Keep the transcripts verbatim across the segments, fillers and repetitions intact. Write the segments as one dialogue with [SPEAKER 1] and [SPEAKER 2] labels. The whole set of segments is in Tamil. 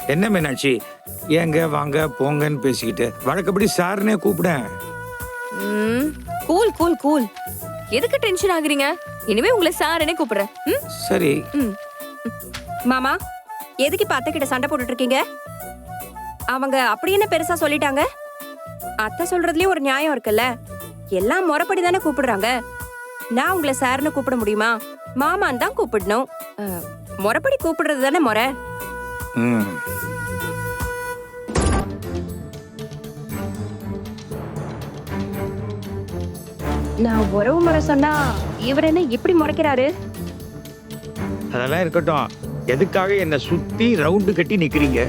[SPEAKER 1] என்ன மீனாட்சி, ஏங்க வாங்க போங்கன்னு பேசிக்கிட்டு வழக்கப்படி சார்னே கூப்பிடேன்.
[SPEAKER 2] ம், கூல் கூல் கூல். எதுக்கு டென்ஷன் ஆகுறீங்க? இனிமே உங்களை சாரனே கூப்பிடுறேன். ம்?
[SPEAKER 1] சரி.
[SPEAKER 2] ம். மாமா, எதுக்கு இப்ப அத்தை கிட்ட சண்டை போட்டுட்டு இருக்கீங்க? அவங்க அப்படி என்ன பெருசா சொல்லிட்டாங்க? அத்தை சொல்றதுலயும் ஒரு நியாயம் இருக்குல்ல. எல்லாம் முறைப்படி தானே கூப்பிடுறாங்க. நான் உங்களை சார்னு கூப்பிட முடியுமா? மாமான் தான் கூப்பிடணும். அஹ், முறைப்படி கூப்பிடுறது தானே முறை.
[SPEAKER 1] ம்.
[SPEAKER 2] நான் உறவு முறை சொன்னா இவர் என்ன இப்படி முறைக்கிறாரு?
[SPEAKER 1] அதெல்லாம் இருக்கட்டும். எதுக்காக என்ன சுத்தி ரவுண்டு கட்டி நிக்கிறீங்க?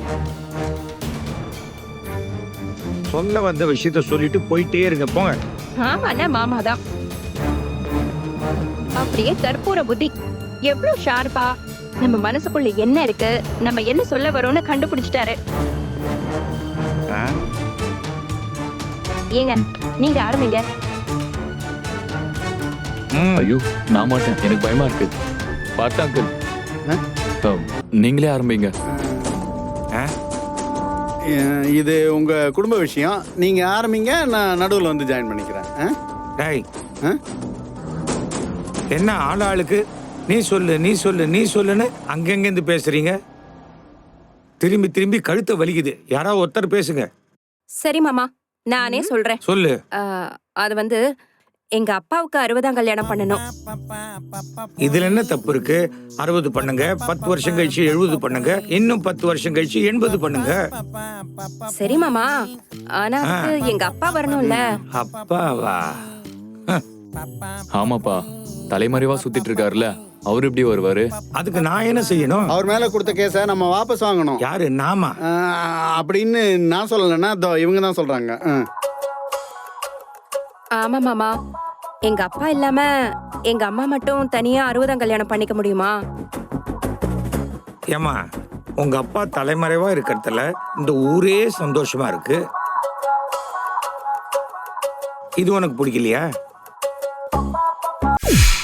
[SPEAKER 1] சொல்ல வந்த விஷயத்த சொல்லிட்டு போயிட்டே இருங்க, போங்க.
[SPEAKER 2] ஆமாண்ணா, மாமாதான். அப்படியே கற்பூர புத்தி. எவ்வளவு ஷார்ப்பா நம்ம மனசுக்குள்ள என்ன இருக்கு, நம்ம என்ன சொல்ல வரோம்னு கண்டுபிடிச்சிட்டாரு.
[SPEAKER 1] ஆ?
[SPEAKER 2] ஏங்க நீங்க ஆரம்பிங்க.
[SPEAKER 1] ம்.
[SPEAKER 3] ஐயோ நான் மாட்டேன், எனக்கு பயமா இருக்கு. பார்த்தா அங்கிள், நீங்களே ஆரம்பிங்க.
[SPEAKER 1] ஆ?
[SPEAKER 4] அஹ் இது உங்க குடும்ப விஷயம். நீங்க ஆரம்பிங்க, நான் நடுவில் வந்து ஜாயின் பண்ணிக்கிறேன். அஹ்?
[SPEAKER 1] டேய்,
[SPEAKER 4] அஹ்?
[SPEAKER 1] என்ன ஆள் ஆளுக்கு நீ சொல்லு நீ சொல்லு நீ சொல்லுன்னு அங்கெங்கிருந்து பேசுறீங்க? திரும்பி திரும்பி கழுத்தை வலிக்குது. யாராவது ஒருத்தர் பேசுங்க.
[SPEAKER 2] சரி மாமா, நானே சொல்றேன்.
[SPEAKER 1] சொல்லு.
[SPEAKER 2] ஆஹ், அது வந்து எங்க அப்பாவுக்கு அறுபதாம் கல்யாணம் பண்ணணும்.
[SPEAKER 1] இதுல என்ன தப்பு இருக்கு? அறுபது பண்ணுங்க, பத்து வருஷம் கழிச்சு எழுபது பண்ணுங்க, இன்னும் பத்து வருஷம் கழிச்சு எண்பது பண்ணுங்க.
[SPEAKER 2] சரி மாமா, ஆனா அதுக்கு எங்க அப்பா வரணும்ல.
[SPEAKER 1] அப்பாவா?
[SPEAKER 3] ஆமாப்பா, தலைமறைவா சுத்திட்டு இருக்காருல்ல, அவரு எப்படி வருவாரு?
[SPEAKER 1] அதுக்கு நான் என்ன செய்யணும்?
[SPEAKER 4] அவர் மேல கொடுத்த கேஸை நம்ம வாபஸ் வாங்கணும்.
[SPEAKER 1] யாரு? நாமா?
[SPEAKER 4] அஹ், அப்படின்னு நான் சொல்லலைன்னா இதோ இவங்க தான் சொல்றாங்க. அஹ்.
[SPEAKER 2] ஆமா மாமா, எங்க அப்பா இல்லாம எங்க அம்மா மட்டும் தனியா அறுபதாம் கல்யாணம் பண்ணிக்க முடியுமா?
[SPEAKER 1] ஏமா, உங்க அப்பா தலைமறைவா இருக்கிறதுல இந்த ஊரே சந்தோஷமா இருக்கு. இது உனக்கு பிடிக்கலையா?